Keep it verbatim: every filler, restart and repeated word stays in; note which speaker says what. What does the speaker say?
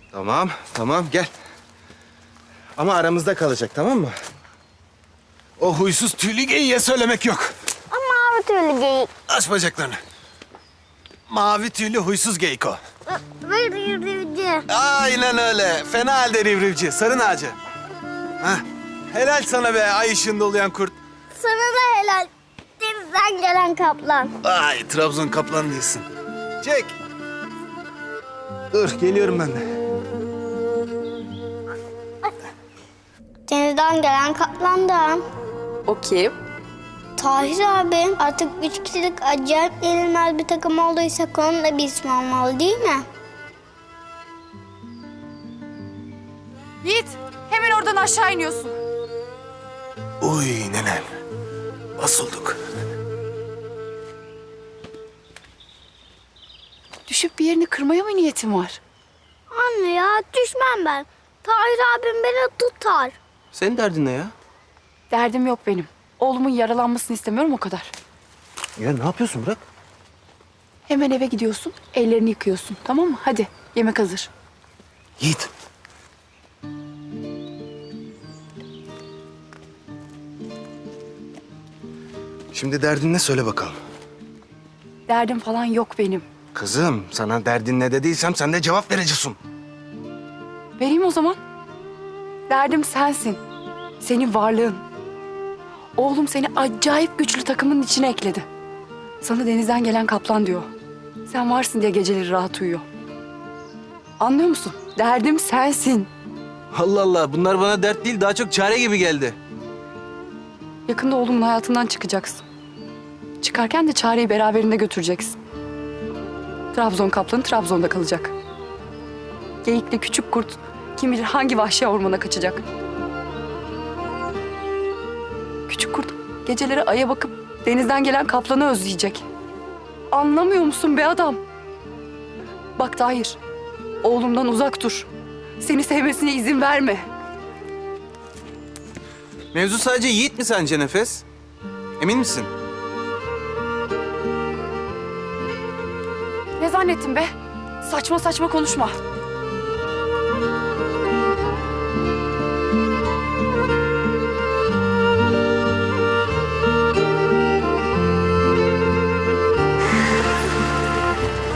Speaker 1: Tamam, tamam gel. Ama aramızda kalacak, tamam mı? O huysuz tüylü geyiğe söylemek yok.
Speaker 2: Ama mavi tüylü geyik.
Speaker 1: Aç bacaklarını. Mavi tüylü huysuz geyik o.
Speaker 2: Ve rivrivci.
Speaker 1: Aynen öyle. Fena halde rivrivci, sarın ağacı. Hah. Helal sana be ay ışığında oluyan kurt.
Speaker 2: Sana da helal. Denizden gelen kaplan.
Speaker 1: Ay Trabzon kaplan değilsin. Çek. Dur geliyorum ben de.
Speaker 2: Denizden gelen kaplan da.
Speaker 3: O kim?
Speaker 2: Tahir abi artık üç kişilik acayip yenilmez bir takım olduysa onun da bir ismi olmalı değil mi?
Speaker 3: Yiğit, hemen oradan aşağı iniyorsun.
Speaker 1: Uy nenem. Basıldık.
Speaker 3: Düşüp bir yerini kırmaya mı niyetin var?
Speaker 2: Anne ya düşmem ben. Tahir abim beni tutar.
Speaker 1: Senin derdin ne ya?
Speaker 3: Derdim yok benim. Oğlumun yaralanmasını istemiyorum o kadar.
Speaker 1: Ya ne yapıyorsun bırak?
Speaker 3: Hemen eve gidiyorsun, ellerini yıkıyorsun. Tamam mı? Hadi, yemek hazır.
Speaker 1: Yiğit. Şimdi derdin ne söyle bakalım.
Speaker 3: Derdim falan yok benim.
Speaker 1: Kızım sana derdin ne dediysem sen de cevap vereceksin.
Speaker 3: Vereyim o zaman. Derdim sensin. Senin varlığın. Oğlum seni acayip güçlü takımın içine ekledi. Sana denizden gelen kaplan diyor. Sen varsın diye geceleri rahat uyuyor. Anlıyor musun? Derdim sensin.
Speaker 1: Allah Allah bunlar bana dert değil daha çok çare gibi geldi.
Speaker 3: Yakında oğlumun hayatından çıkacaksın. Çıkarken de çareyi beraberinde götüreceksin. Trabzon kaplanı Trabzon'da kalacak. Geyikle küçük kurt kim bilir hangi vahşi ormana kaçacak. Küçük kurt geceleri aya bakıp denizden gelen kaplanı özleyecek. Anlamıyor musun be adam? Bak Tahir, oğlumdan uzak dur. Seni sevmesine izin verme.
Speaker 1: Mevzu sadece Yiğit mi sence Nefes? Emin misin?
Speaker 3: Ne zannettin be? Saçma saçma konuşma.